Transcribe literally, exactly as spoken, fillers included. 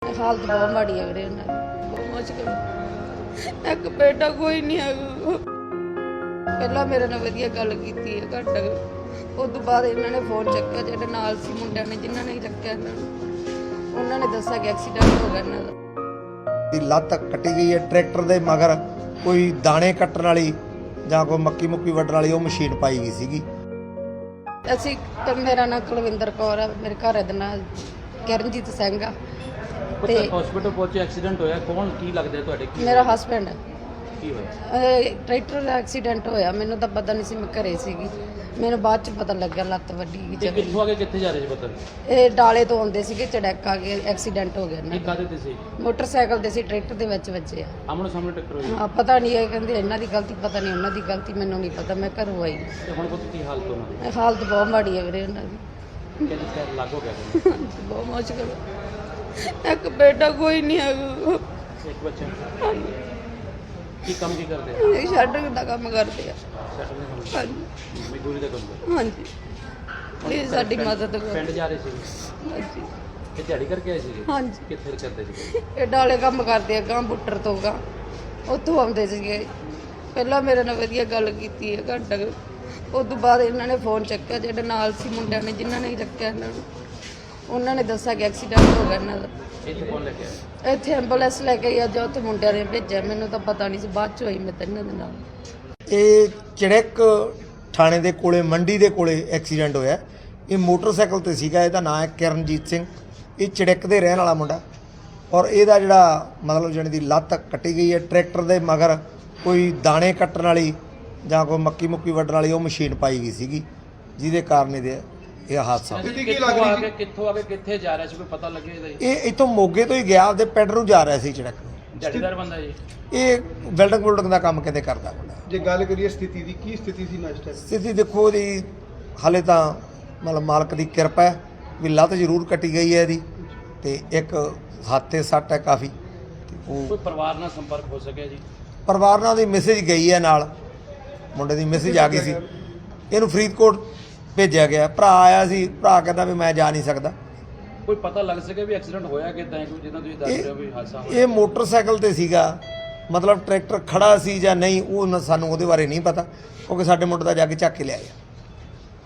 हालत बहुत माड़ी है वीरे उन्हां दी, बहुत मुश्किल। एक बेटा कोई नहीं है, पहला मेरे नाल वधिया गल कीती है घट, उस तो बाद इन्होंने फोन चक्या जेडे नाल सी मुंडिया ने जिन्हां ने चक्या इन्हां नूं, उन्हां ने दस्सिया कि एक्सीडेंट हो गया इन्हां दा। दी लत्त कट्टी गई है ट्रैक्टर दे मगर कोई दाने कट्टण वाली ਜਾਂ ਕੋਈ ਮੱਕੀ ਮੁੱਕੀ ਵੱਢਣ ਵਾਲੀ ਉਹ ਮਸ਼ੀਨ ਪਾਈ ਗਈ ਸੀਗੀ। ਅਸੀਂ ਤੇ ਮੇਰਾ ਨਾਮ ਕੁਲਵਿੰਦਰ ਕੌਰ ਹੈ, ਮੇਰੇ ਘਰ ਦੇ ਨਾਲ ਕਿਰਨਜੀਤ ਸਿੰਘ ਆ ਤੇ ਹਸਪੀਟਲ ਪਹੁੰਚੇ ਐਕਸੀਡੈਂਟ ਹੋਇਆ, ਕੌਣ ਕੀ ਲੱਗਦਾ ਤੁਹਾਡੇ? ਕੀ ਮੇਰਾ ਹਸਬੈਂਡ ਕੀ ਹੋਇਆ? ਟਰੈਕਟਰ ਦਾ ਐਕਸੀਡੈਂਟ ਹੋਇਆ, ਮੈਨੂੰ ਤਾਂ ਪਤਾ ਨਹੀਂ ਸੀ, ਮੈਂ ਘਰੇ ਸੀਗੀ, ਮੈਨੂੰ ਬਾਅਦ ਚ ਪਤਾ ਲੱਗਿਆ ਲੱਤ ਵੱਡੀ ਗਈ। ਤੇ ਕਿੱਥੋਂ ਆ ਕੇ ਕਿੱਥੇ ਜਾ ਰਹੇ ਸੀ ਪਤਾ? ਇਹ ਡਾਲੇ ਤੋਂ ਆਉਂਦੇ ਸੀਗੇ, ਚੜੈਕ ਆ ਕੇ ਐਕਸੀਡੈਂਟ ਹੋ ਗਿਆ ਕੀ ਇਹਨਾਂ ਕਾਹਦੇ ਤੇ ਸੀ? ਮੋਟਰਸਾਈਕਲ ਤੇ ਸੀ, ਟਰੈਕਟਰ ਦੇ ਵਿੱਚ ਵੱਜੇ ਆ। ਆਮਣੇ ਸਾਹਮਣੇ ਟੱਕਰ ਹੋਈ? ਹਾਂ, ਪਤਾ ਨਹੀਂ, ਇਹ ਕਹਿੰਦੇ ਇਹਨਾਂ ਦੀ ਗਲਤੀ, ਪਤਾ ਨਹੀਂ ਉਹਨਾਂ ਦੀ ਗਲਤੀ, ਮੈਨੂੰ ਨਹੀਂ ਪਤਾ, ਮੈਂ ਘਰੋਂ ਆਈ। ਤੇ ਹੁਣ ਪੁੱਤ ਕੀ ਹਾਲਤ ਉਹਨਾਂ ਦੀ? ਹਾਲਤ ਬਹੁਤ ਮਾੜੀ ਹੈ ਵੀਰੇ ਉਹਨਾਂ ਦੀ, ਕਹਿੰਦੇ ਸਿਰ ਲੱਗ ਹੋ ਗਿਆ। ਬਹੁਤ ਮੁਸ਼ਕਿਲ। ਇੱਕ ਬੇਟਾ ਕੋਈ ਨਹੀਂ ਹੈਗਾ, ਇੱਕ ਬੱਚਾ। ਕੀ ਕੰਮ ਕੀ ਕਰਦੇ? ਇਹ ਸ਼ਟਰਿੰਗ ਦਾ ਕੰਮ ਕਰਦੇ ਆ। ਸੈਟਲ ਦੇ ਕੰਮ? ਹਾਂਜੀ ਮਜ਼ਦੂਰੀ ਦਾ ਕੰਮ? ਹਾਂਜੀ, ਪਲੀਜ਼ ਸਾਡੀ ਮਦਦ ਕਰੋ। ਪਿੰਡ ਜਾ ਰਹੇ ਸੀ? ਹਾਂਜੀ ਇਹ ਦਿਹਾੜੀ ਕਰਕੇ ਆਏ ਸੀਗੇ? ਹਾਂਜੀ, ਕਿੱਥੇ ਕਰਦੇ ਸੀ? ਇਹ ਡਾਲੇ ਕੰਮ ਕਰਦੇ ਆ, ਗਾਂ ਬੁੱਟਰ ਤੋਂ ਗਾਂ ਉੱਥੋਂ ਆਉਂਦੇ ਸੀਗੇ। ਪਹਿਲਾਂ ਮੇਰੇ ਨਾਲ ਵਧੀਆ ਗੱਲ ਕੀਤੀ ਹੈ ਘੰਟਾ, ਉਸ ਤੋਂ ਬਾਅਦ ਇਹਨਾਂ ਨੇ ਫੋਨ ਚੱਕਿਆ ਜਿਹੜੇ ਨਾਲ ਸੀ ਮੁੰਡਿਆਂ ਨੇ ਜਿਨ੍ਹਾਂ ਨੇ ਚੱਕਿਆ ਇਹਨਾਂ ਨੂੰ, ਉਹਨਾਂ ਨੇ ਦੱਸਿਆ ਕਿ ਐਕਸੀਡੈਂਟ ਹੋ ਗਿਆ ਇਹਨਾਂ ਦਾ। ਇੱਥੇ ਕੌਣ ਲੈ ਕੇ ਆਇਆ? ਇੱਥੇ ਐਂਬੂਲੈਂਸ ਲੈ ਕੇ ਆ, ਜੋ ਉੱਥੇ ਮੁੰਡਿਆਂ ਨੇ ਭੇਜਿਆ, ਮੈਨੂੰ ਤਾਂ ਪਤਾ ਨਹੀਂ ਸੀ, ਬਾਅਦ ਚ ਹੋਈ ਮੈਂ ਤਾਂ ਇਹਨਾਂ ਦੇ ਨਾਲ। ਇਹ ਚੜੈਕ ਥਾਣੇ ਦੇ ਕੋਲੇ ਮੰਡੀ ਦੇ ਕੋਲੇ ਐਕਸੀਡੈਂਟ ਹੋਇਆ। ਇਹ ਮੋਟਰਸਾਈਕਲ ਤੇ ਸੀਗਾ, ਇਹਦਾ ਨਾਮ ਹੈ ਕਿਰਨਜੀਤ ਸਿੰਘ, ਇਹ ਚੜੈਕ ਦੇ ਰਹਿਣ ਵਾਲਾ ਮੁੰਡਾ, ਔਰ ਇਹਦਾ ਜਿਹੜਾ ਮਤਲਬ ਜਾਣੀ ਦੀ ਲੱਤ ਕੱਟੀ ਗਈ ਹੈ ਟਰੈਕਟਰ ਦੇ ਮਗਰ ਕੋਈ ਦਾਣੇ ਕੱਟਣ ਵਾਲੀ ਜਾਂ ਕੋਈ ਮੱਕੀ ਮੁੱਕੀ ਵੱਢਣ ਵਾਲੀ ਉਹ ਮਸ਼ੀਨ ਪਾਈ ਗਈ ਸੀਗੀ, ਜਿਹਦੇ ਕਾਰਨ ਇਹਦੇ ਇਹ ਹਾਦਸਾ ਹੋਇਆ। ਕਿੱਥੋਂ ਆ ਕੇ ਕਿੱਥੋਂ ਆ ਕੇ ਕਿੱਥੇ ਜਾ ਰਿਹਾ ਸੀ, ਕੋਈ ਪਤਾ ਲੱਗੇ ਇਹਦਾ? ਇਹ ਇੱਥੋਂ ਮੋਗੇ ਤੋਂ ਹੀ ਗਿਆ, ਆਪਦੇ ਪਿੰਡ ਨੂੰ ਜਾ ਰਿਹਾ ਸੀ ਚੜੈਕ। ਦਿਹਾੜੀਦਾਰ ਬੰਦਾ ਜੀ? ਇਹ ਬਿਲਡਿੰਗ ਬੁਲਡਿੰਗ ਦਾ ਕੰਮ ਕਿਤੇ ਕਰਦਾ ਮੁੰਡਾ। ਜੇ ਗੱਲ ਕਰੀਏ ਸਥਿਤੀ ਦੀ, ਕੀ ਸਥਿਤੀ ਸੀ ਨਾ ਇਸ ਟਾਈਮ? ਸਥਿਤੀ ਦੇਖੋ ਉਹਦੀ ਹਾਲੇ ਤਾਂ ਮਤਲਬ ਮਾਲਕ ਦੀ ਕਿਰਪਾ ਹੈ ਵੀ ਲੱਤ ਜ਼ਰੂਰ ਕੱਟੀ ਗਈ ਹੈ ਇਹਦੀ, ਤੇ ਇੱਕ ਹੱਥ ਤੇ ਸੱਟ ਹੈ ਕਾਫੀ। ਤੇ ਉਹ ਕੋਈ ਪਰਿਵਾਰ ਨਾਲ ਸੰਪਰਕ ਹੋ ਸਕਿਆ ਜੀ? ਪਰਿਵਾਰ ਨਾਲ ਦੀ ਮੈਸੇਜ ਗਈ ਹੈ, ਨਾਲ ਮੁੰਡੇ ਦੀ ਮੈਸੇਜ ਆ ਗਈ ਸੀ, ਇਹਨੂੰ ਫਰੀਦਕੋਟ ਭੇਜਿਆ ਗਿਆ। ਭਰਾ ਆਇਆ ਸੀ, ਭਰਾ ਕਹਿੰਦਾ ਵੀ ਮੈਂ ਜਾ ਨਹੀਂ ਸਕਦਾ। ਕੋਈ ਪਤਾ ਲੱਗ ਸਕਿਆ ਵੀ ਐਕਸੀਡੈਂਟ ਹੋਇਆ ਕਿੱਦਾਂ, ਕੋਈ ਜਿੱਦਾਂ ਤੁਸੀਂ ਦੱਸ ਰਹੇ ਹੋ ਵੀ ਹਾਦਸਾ ਹੋਇਆ? ਇਹ ਮੋਟਰਸਾਈਕਲ ਤੇ ਸੀਗਾ, ਮਤਲਬ ਟਰੈਕਟਰ ਖੜਾ ਸੀ ਜਾਂ ਨਹੀਂ ਉਹ ਨਾ ਸਾਨੂੰ ਉਹਦੇ ਬਾਰੇ ਨਹੀਂ ਪਤਾ, ਕਿਉਂਕਿ ਸਾਡੇ ਮੁੰਡੇ ਦਾ ਜਾ ਕੇ ਚੱਕ ਕੇ ਲਿਆਇਆ।